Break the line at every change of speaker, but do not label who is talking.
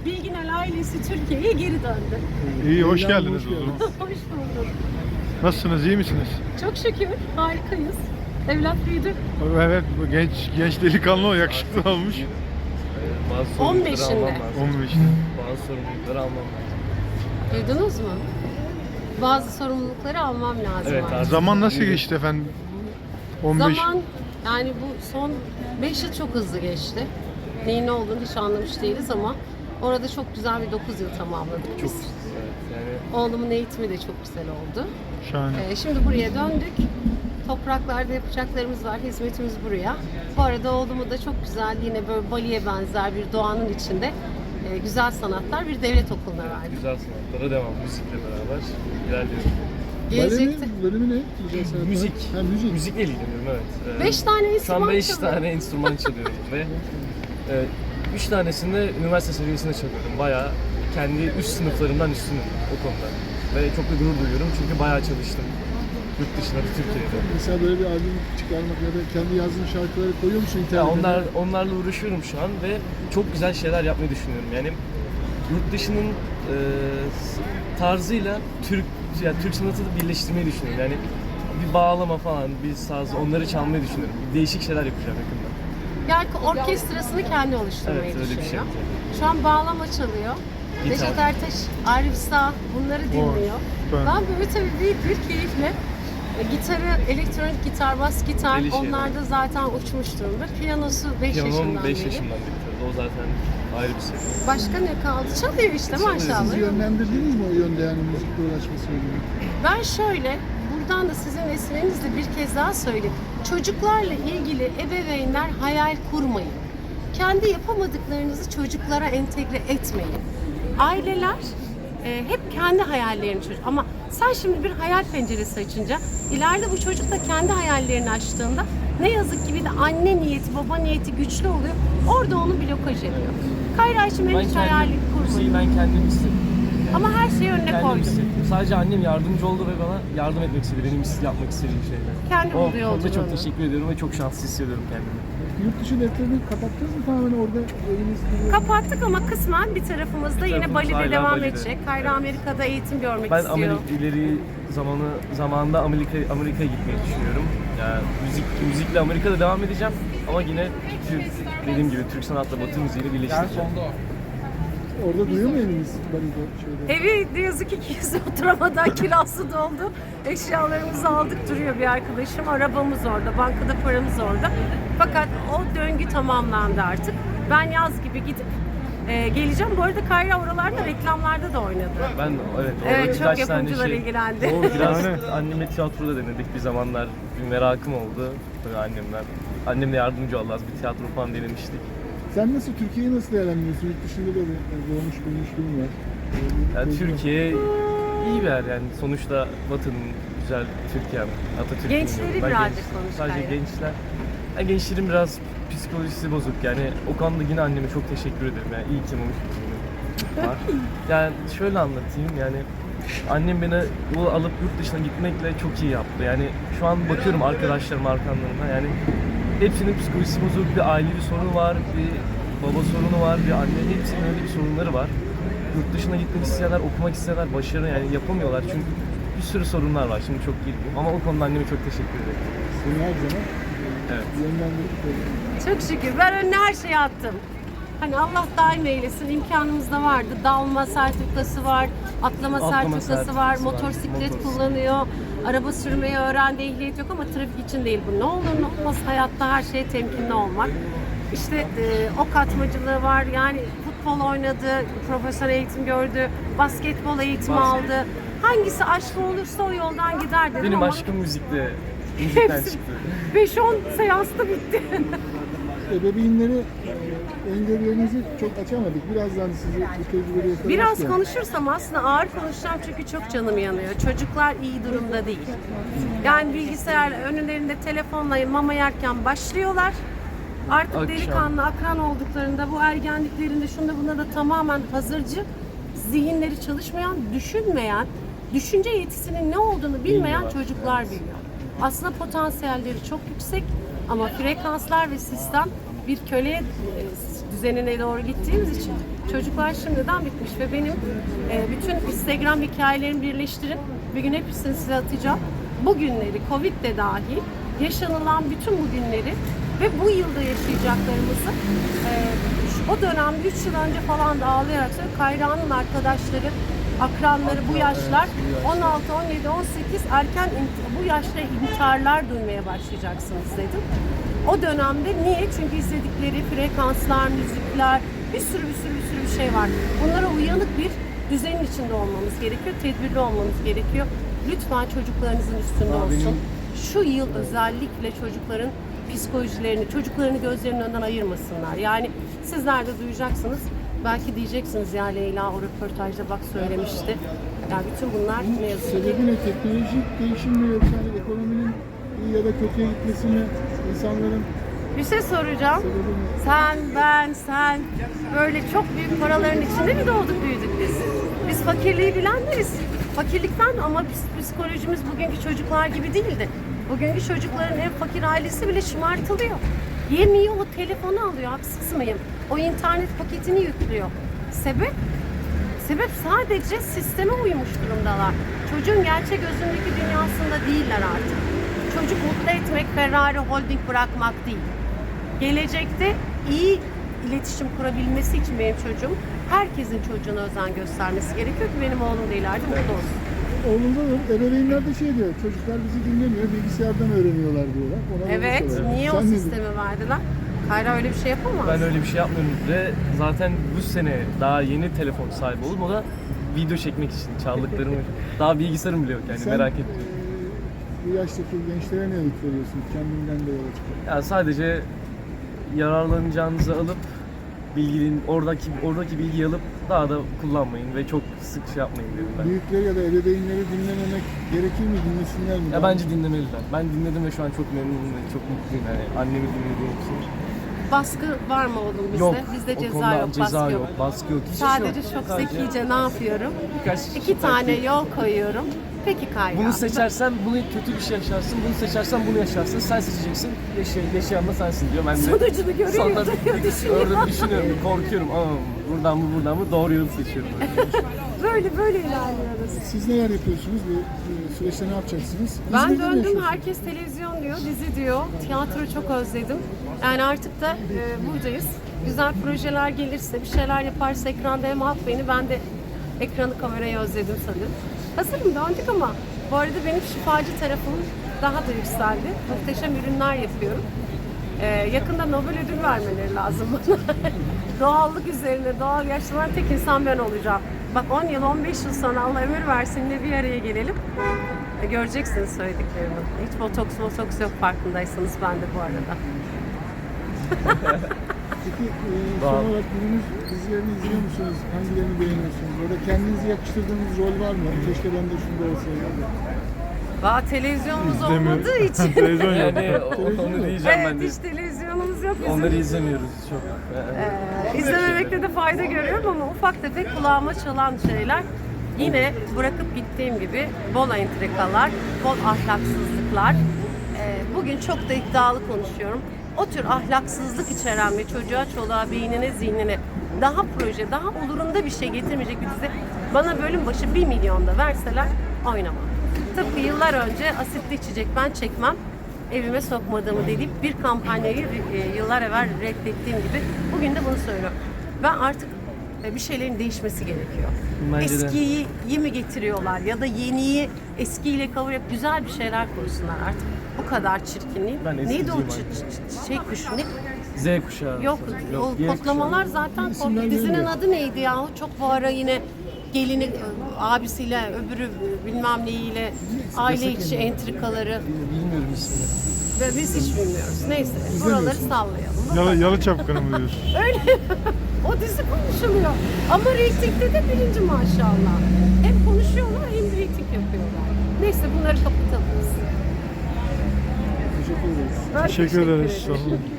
Bilginel ailesi Türkiye'ye geri döndü.
İyi, hoş geldiniz o zaman.
Hoş bulduk.
Nasılsınız, iyi misiniz?
Çok şükür harikayız. Evlat büyüdü.
Evet, bu genç delikanlı o, yakışıklı olmuş.
Bazı sorumlulukları
15'inde.
almam lazım.
15.
Bazı sorumlulukları almam lazım.
Duydunuz mu? Bazı sorumlulukları almam lazım.
Evet,
artık.
artık.
Zaman nasıl geçti efendim? 15.
Zaman yani bu son 5 yıl çok hızlı geçti. Neyin ne olduğunu hiç anlamış değiliz ama orada çok güzel bir 9 yıl tamamladık
Çok
biz.
evet, yani
Oğlumun eğitimi de çok güzel oldu.
Şahane.
Şimdi buraya döndük. Topraklarda yapacaklarımız var. Hizmetimiz buraya. Bu arada oğlumu da çok güzel yine böyle Bali'ye benzer bir doğanın içinde güzel sanatlar bir devlet okuluna verdik.
güzel sanatlara devam. Müzikle beraber ilerliyorum.
Gelecekte
Bölümü ne? Güzel sanatlar.
Müzik.
Ha, müzik.
Müzikle ilgileniyorum, evet.
5 tane
Şu
enstrüman
an 5
çalıyorum.
tane enstrüman çalıyorum ve 3 tanesinde üniversite seviyesinde çalıyorum. Bayağı kendi üst sınıflarımdan üstünüm o konuda. Ve çok da gurur duyuyorum çünkü bayağı çalıştım. Yurt dışında da Türkiye'de.
Mesela böyle bir albüm çıkarmak ya da kendi yazdığın şarkıları koyuyor musun
Ya
internete?
onlarla uğraşıyorum şu an ve çok güzel şeyler yapmayı düşünüyorum. Yani yurt dışının tarzıyla Türk sanatını birleştirmeyi düşünüyorum. Yani bir bağlama falan, bir saz, onları çalmayı düşünüyorum. Değişik şeyler yapacağım yakında.
Yani orkestrasını kendi oluşturmayı
Evet, öyle bir şey
düşünüyor.
yapacağım.
Şu an bağlama çalıyor.
Gitar.
Neşet Ertaş, Arif Sağ bunları dinliyor.
süper.
Ben böyle tabii büyük bir keyifle gitarı, elektronik gitar, bas gitar
Deli şeyler.
onlar da zaten uçmuş durumda. Piyanosu 5 yaşından
Piyanom 5
beri.
yaşından bitirdi. O zaten ayrı bir seviye.
Başka ne kaldı? Çalıyor işte maşallah.
Sizi yönlendirdiniz mi o yönde yani müzikle uğraşması yönünde?
Ben şöyle, buradan da sizin vesilenizle bir kez daha söyleyeyim. Çocuklarla ilgili ebeveynler hayal kurmayın. Kendi yapamadıklarınızı çocuklara entegre etmeyin. Aileler hep kendi hayallerini çocuk. Ama sen şimdi bir hayal penceresi açınca, ileride bu çocuk da kendi hayallerini açtığında ne yazık ki bir de anne niyeti, baba niyeti güçlü oluyor. Orada onu blokaj ediyor. Kayra'cığım
Ben
hiç hayal
kendim, müziği
kurmayın.
ben kendim istedim.
Ama her şeyi önüne
Kendim
koydum.
istedim. Sadece annem yardımcı oldu ve bana yardım etmek istedi. Benim yapmak istediğim şeyler.
Kendi
O
buldu
konuda
yolculuğunu.
çok teşekkür ediyorum ve çok şanslı hissediyorum kendimi.
Yurt dışı defterini kapattınız mı tamamen orada eviniz gibi?
Kapattık ama kısmen bir tarafımızda yine
tarafımız
Bali'de
hala
devam
Bali'de.
edecek. Kayra
Evet.
Amerika'da eğitim görmek
Ben
istiyor.
ileri zamanında Amerika'ya gitmeyi düşünüyorum. Yani müzikle Amerika'da devam edeceğim ama yine dediğim gibi Türk sanatla Batı müziğini birleştireceğim.
Orada duyuyor mu eviniz? Bali'de şeyde.
Evi ne yazık ki kimse oturamadan kirası doldu. Eşyalarımızı aldık duruyor bir arkadaşım. Arabamız orada, bankada paramız orada. Fakat o döngü tamamlandı artık. Ben yaz gibi gidip geleceğim. Bu arada Kayra oralarda reklamlarda da oynadı.
Ben evet orada
Evet, çok
birkaç tane
yapımcılar ilgilendi.
O biraz anneme tiyatroda denedik bir zamanlar. Bir merakım oldu böyle annemden. Annemle yardımcı oldu, az bir tiyatro falan denemiştik.
Sen nasıl, Türkiye'yi nasıl değerlendiriyorsun? Yurt dışında da doğmuş büyümüşlüğün var.
Yani Türkiye iyi bir yer yani sonuçta Batı'nın güzel Türkiye, Atatürk'ün
Gençleri
yolu. Ben
birazcık konuş
Sadece
Kayra.
gençler. Yani gençlerin biraz psikolojisi bozuk yani o konuda yine anneme çok teşekkür ederim yani iyi ki olmuş var. Yani şöyle anlatayım yani annem beni bu alıp yurt dışına gitmekle çok iyi yaptı yani şu an bakıyorum arkadaşlarım arkamlarına yani hepsinin psikolojisi bozuk, bir ailevi sorunu var, bir baba sorunu var, bir anne, hepsinin öyle bir sorunları var. Yurt dışına gitmek isteyenler, okumak isteyenler başarı yani yapamıyorlar çünkü bir sürü sorunlar var. Şimdi çok girmeyeyim ama o konuda anneme çok teşekkür ederim.
Seni her zaman
Evet.
yönlendirdik böyle.
Çok şükür. Ben önüne her şeyi attım. Hani Allah daim eylesin. İmkanımız da vardı. Dalma sertifikası var, atlama sertifikası var, motosiklet kullanıyor. Araba sürmeyi öğrendi, ehliyet yok ama trafik için değil bu. Ne olur ne olmaz hayatta her şeye temkinli olmak. İşte ok atmacılığı var. Yani futbol oynadı, profesyonel eğitim gördü, basketbol eğitimi aldı. Hangisi aşkı olursa o yoldan gider dedim
Benim
ama
aşkım müzikte, müzikten
hepsi
çıktı.
5-10 seansta bitti.
Ebeveynleri, öngörülerinizi çok açamadık. Birazdan sizi bu tecrübeleri yakalamak
Biraz
istiyorum.
konuşursam aslında ağır konuşacağım çünkü çok canım yanıyor. Çocuklar iyi durumda değil. Yani bilgisayar önlerinde telefonla mama yerken başlıyorlar. Artık
Akşam.
delikanlı, akran olduklarında bu ergenliklerinde şunda buna da tamamen hazırcı, zihinleri çalışmayan, düşünmeyen, düşünce yetisinin ne olduğunu bilmeyen
Bilmiyorlar.
çocuklar biliyor. Aslında potansiyelleri çok yüksek ama frekanslar ve sistem bir köle düzenine doğru gittiğimiz için çocuklar şimdiden bitmiş ve benim bütün Instagram hikayelerimi birleştirip bir gün hepsini size atacağım. Bu günleri, Covid de dahil yaşanılan bütün bu günleri ve bu yılda yaşayacaklarımızı o dönemde 3 yıl önce falan da ağlayarak söylüyorum. Kayra'nın arkadaşları, akranları bu yaşlar 16, 17, 18 erken bu yaşta intiharlar duymaya başlayacaksınız dedim. O dönemde niye? Çünkü izledikleri frekanslar, müzikler, bir sürü bir şey var. Bunlara uyanık bir düzenin içinde olmamız gerekiyor, tedbirli olmamız gerekiyor. Lütfen çocuklarınızın üstünde olsun. Şu yıl özellikle çocukların psikolojilerini, çocuklarını gözlerinin önünden ayırmasınlar. Yani sizler de duyacaksınız. Belki diyeceksiniz ya Leyla o röportajda bak söylemişti. Yani bütün bunlar ne yazık ki.
Sebebi ne? Teknolojik değişim mi yoksa hani ekonominin iyi ya da kötüye gitmesi mi? İnsanların
Bir şey soracağım.
sebebi ne?
Sen böyle çok büyük paraların içinde mi doğduk büyüdük biz? Biz fakirliği bilenleriz. Fakirlikten ama psikolojimiz bugünkü çocuklar gibi değildi. Bugünkü çocukların en fakir ailesi bile şımartılıyor. Yemiyor, o telefonu alıyor, haksız mıyım? O internet paketini yüklüyor. Sebep? Sebep sadece sisteme uymuş durumdalar. Çocuğun gerçek özündeki dünyasında değiller artık. Çocuk mutlu etmek, Ferrari Holding bırakmak değil. Gelecekte iyi iletişim kurabilmesi için benim çocuğum, herkesin çocuğuna özen göstermesi gerekiyor ki benim oğlum da ileride mutlu olsun.
Oğlumda da ebeveynler de şey diyor, çocuklar bizi dinlemiyor, bilgisayardan öğreniyorlar diyorlar. Ona da
Evet,
soruyorlar.
niye
Sen
o
ne diyorsun?
sistemi verdiler? Kayra öyle bir şey yapamaz.
Ben öyle bir şey yapmıyorum ve zaten bu sene daha yeni telefon sahibi oldum. O da video çekmek için çaldıklarımı. Daha bilgisayarım bile yok yani,
Sen,
merak ettim.
Bu yaştaki gençlere ne öğüt veriyorsun? Kendinden de yola çıkıyor.
Yani sadece yararlanacağınızı alıp oradaki bilgiyi alıp daha da kullanmayın ve çok sık şey yapmayın dedim ben.
Büyükleri ya da ebeveynleri dinlememek gerekir mi? Dinlesinler mi?
Ya bence dinlemeliler. Ben dinledim ve şu an çok memnunum ve çok mutluyum yani annemi dinlediğim için.
Baskı var mı oğlum bizde?
Yok.
Bizde
o
ceza
konuda
yok,
ceza
baskı
yok,
yok.
baskı yok. Hiçbir şey
Sadece
yok.
çok
Sadece
zekice ne yapıyorum?
birkaç
2 tane yol koyuyorum. Peki Kayra.
Bunu seçersen bunu kötü bir şey yaşarsın, bunu seçersen bunu yaşarsın, sen seçeceksin, yaşayan da sensin diyor. Ben de
Sonucunu görüyor,
sonra
düşünüyor.
orada düşünüyorum, korkuyorum. Buradan mı doğru yolu seçiyorum.
Böyle ilerliyoruz.
Siz neler yapıyorsunuz? Bu süreçte ne yapacaksınız?
Ben
İzmir'de mi
döndüm,
yaşıyorsunuz?
herkes televizyon diyor, dizi diyor. Tiyatro çok özledim. Yani artık da buradayız. Güzel projeler gelirse, bir şeyler yaparsa ekranda hem halk beni, ben de ekranı, kamerayı özledim sanırım. Hazırım, döndük ama bu arada benim şifacı tarafım daha da yükseldi. Muhteşem ürünler yapıyorum. Yakında Nobel ödül vermeleri lazım bana. Doğallık üzerine, doğal yaşlanan tek insan ben olacağım. Bak 10 yıl, 15 yıl sonra Allah ömür versin de bir araya gelelim. Göreceksiniz söylediklerimi. Hiç botoks yok farkındaysanız ben de bu arada.
Peki son olarak günümüz dizilerini izliyor musunuz? Hangilerini beğeniyorsunuz? Orada kendinizi yakıştırdığınız rol var mı? Keşke ben de şunda olsaydım.
Valla televizyonumuz
İzlemiyor.
olmadığı için.
Televizyon yok.
Yani onu diyeceğim ben
Evet,
de.
hiç televizyonumuz yok bizim.
Onları izlemiyoruz çok.
İzlememekte de fayda görüyorum ama ufak tefek kulağıma çalan şeyler. Yine bırakıp gittiğim gibi bol entrikalar, bol ahlaksızlıklar. Bugün çok da iddialı konuşuyorum. O tür ahlaksızlık içeren ve çocuğa, çoluğa, beynine, zihnine daha proje, daha olurunda bir şey getirmeyecek bir dizi bana bölüm başı 1 milyon da verseler oynamam. Tıpkı yıllar önce asitli içecek ben çekmem, evime sokmadığımı deyip bir kampanyayı yıllar evvel reddettiğim gibi bugün de bunu söylüyorum. Ben artık bir şeylerin değişmesi gerekiyor.
Bence de.
Eskiyi mi getiriyorlar ya da yeniyi eskiyle kavurup güzel bir şeyler kursunlar artık. Bu kadar çirkinliği.
Ben
Neydi o
eskiciyim
şey kuş ne?
Z kuşağı.
Yok, o
Y
kodlamalar zaten
İsimler
dizinin
veriliyor.
adı neydi ya? Çok bu ara yine gelini abisiyle öbürü bilmem neyiyle aile içi entrikaları
Bilmiyorum ismini.
ve biz hiç bilmiyoruz. Neyse buraları sallayalım.
Yalı çapkını mı diyorsun?
Öyle. O dizi konuşuluyor. Ama reytingde de birinci maşallah. Hem konuşuyorlar hem reyting yapıyorlar. Neyse bunları kapatalım biz.
Teşekkür ederiz.
Ben
Teşekkür ederiz.
ederim.
Sağ olun.